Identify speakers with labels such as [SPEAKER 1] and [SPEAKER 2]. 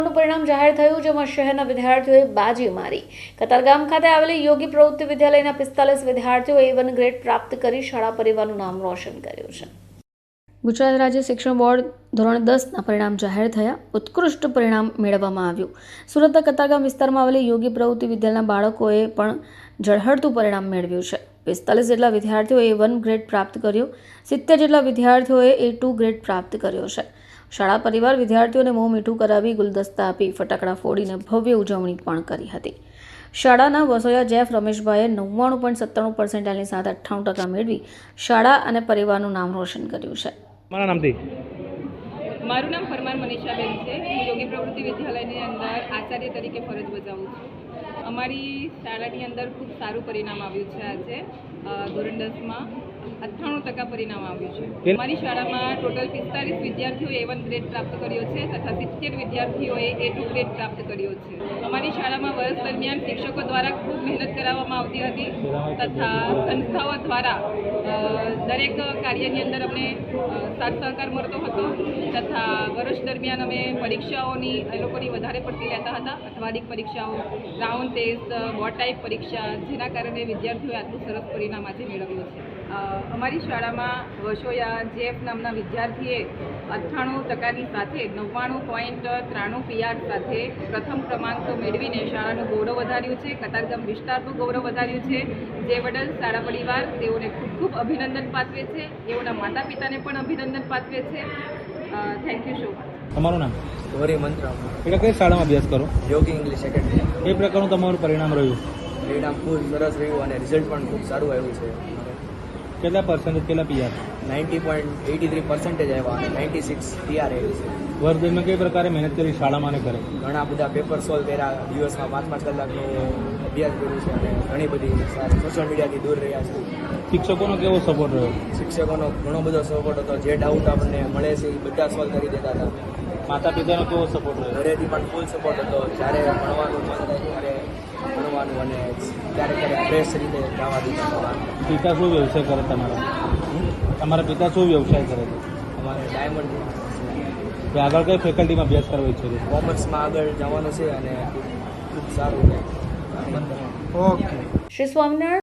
[SPEAKER 1] પરિણામ જાહેર થયું, જેમાં શહેરના વિદ્યાર્થીઓએ બાજી મારી. કતારગામ ખાતે આવેલી યોગી પ્રવૃત્તિ વિદ્યાલયના 45 વિદ્યાર્થીઓએ A1 ગ્રેડ પ્રાપ્ત કરી શાળા પરિવારનું નામ રોશન કર્યું છે. ગુજરાત રાજ્ય શિક્ષણ બોર્ડ ધોરણ 10ના પરિણામ જાહેર થયા. ઉત્કૃષ્ટ પરિણામ મેળવવામાં આવ્યું. સુરતના કતારગામ વિસ્તારમાં આવેલી યોગી પ્રવૃત્તિ વિદ્યાલયના બાળકોએ પણ ઝળહળતું પરિણામ મેળવ્યું છે. 45 જેટલા વિદ્યાર્થીઓએ A1 ગ્રેડ પ્રાપ્ત કર્યો. 70 જેટલા વિદ્યાર્થીઓએ A2 ગ્રેડ પ્રાપ્ત કર્યો છે. શાળા પરિવાર વિદ્યાર્થીઓને મોં મીઠું કરાવી, ગુલદસ્તા આપી, ફટાકડા ફોડીને ભવ્ય ઉજવણી પણ કરી હતી. શાળાના વસોયા જેફ રમેશભાઈએ 99.97% સાથે 98% મેળવી શાળા અને પરિવારનું નામ રોશન કર્યું છે.
[SPEAKER 2] મારું નામ પરમાર મનીષાબેન છે. હું યોગી પ્રવૃત્તિ વિદ્યાલયની અંદર આચાર્ય તરીકે ફરજ બજાવું છું. અમારી શાળાની અંદર ખૂબ સારું પરિણામ આવ્યું છે. આજે ધોરણ 10માં 98% પરિણામ આવ્યું છે. અમારી શાળામાં ટોટલ 45 વિદ્યાર્થીઓએ A1 ગ્રેડ પ્રાપ્ત કર્યો છે તથા 70 વિદ્યાર્થીઓએ A2 ગ્રેડ પ્રાપ્ત કર્યો છે. અમારી શાળામાં વર્ષ દરમિયાન શિક્ષકો દ્વારા ખૂબ મહેનત કરાવવામાં આવતી હતી તથા સંસ્થાઓ દ્વારા દરેક કાર્યની અંદર અમને સાથ સહકાર મળતો હતો તથા વર્ષ દરમિયાન અમે પરીક્ષાઓની એ લોકોની વધારે પડતી લેતા હતા. અઠવાડિક પરીક્ષાઓ, રાઉન્ડ ટેસ્ટ, બોર્ડ ટાઈપ પરીક્ષા, જેના કારણે વિદ્યાર્થીઓએ આટલું સરસ પરિણામ આજે મેળવ્યું છે. અમારી શાળામાં વસોયા જેફ નામના વિદ્યાર્થીએ 98%ની સાથે 99.93 PR સાથે પ્રથમ ક્રમાંક મેળવીને શાળાનું ગૌરવ વધાર્યું છે. કતારગામ વિસ્તારનું ગૌરવ વધાર્યું છે. જે બદલ શાળા પરિવાર તેઓને ખૂબ ખૂબ અભિનંદન પાઠવે છે. તેઓના માતા પિતાને પણ અભિનંદન પાઠવે છે. Thank you so much.
[SPEAKER 3] તમારું નામ?
[SPEAKER 4] ગૌરી મંત્ર.
[SPEAKER 3] એટલે કઈ શાળામાં અભ્યાસ કરો?
[SPEAKER 4] Yogi English academy.
[SPEAKER 3] કઈ પ્રકારનું તમારું પરિણામ રહ્યું?
[SPEAKER 4] પરિણામ ખૂબ સરસ રહ્યું અને રિઝલ્ટ પણ ખૂબ સારું આવ્યું છે.
[SPEAKER 3] કેટલા પર્સન્ટેજ, કેટલા PR?
[SPEAKER 4] 90.83% આવ્યા અને 96 PR આવ્યું છે.
[SPEAKER 3] વર્ષ દરમિયાન કઈ પ્રકારે મહેનત કરી શાળામાં અને ઘરે?
[SPEAKER 4] ઘણા બધા પેપર સોલ્વ કર્યા, દિવસમાં 5-5 કલાકનો અભ્યાસ કર્યો છે અને ઘણી બધી સોશિયલ મીડિયાથી દૂર રહ્યા છે.
[SPEAKER 3] શિક્ષકોનો કેવો સપોર્ટ રહ્યો?
[SPEAKER 4] શિક્ષકોનો ઘણો બધો સપોર્ટ હતો. જે ડાઉટ આપણને મળે છે એ બધા સોલ્વ કરી દેતા હતા.
[SPEAKER 3] માતા પિતાનો કેવો સપોર્ટ રહ્યો?
[SPEAKER 4] ઘરેથી પણ ફૂલ સપોર્ટ હતો. જ્યારે ભણવાનું મન થાય ત્યારે ભણવાનું અને ક્યારેક ફ્રેશ રીતે જવા દીધા.
[SPEAKER 3] પિતા શું વ્યવસાય કરે તમારા? તમારા પિતા શું વ્યવસાય કરે છે?
[SPEAKER 4] અમારે ડાયમંડ
[SPEAKER 3] આગળ કઈ ફેકલ્ટીમાં અભ્યાસ કરવો ઈચ્છો છો?
[SPEAKER 4] કોમર્સમાં આગળ જવાનું છે અને ખૂબ સારું.
[SPEAKER 1] શ્રી સ્વામિનારાયણ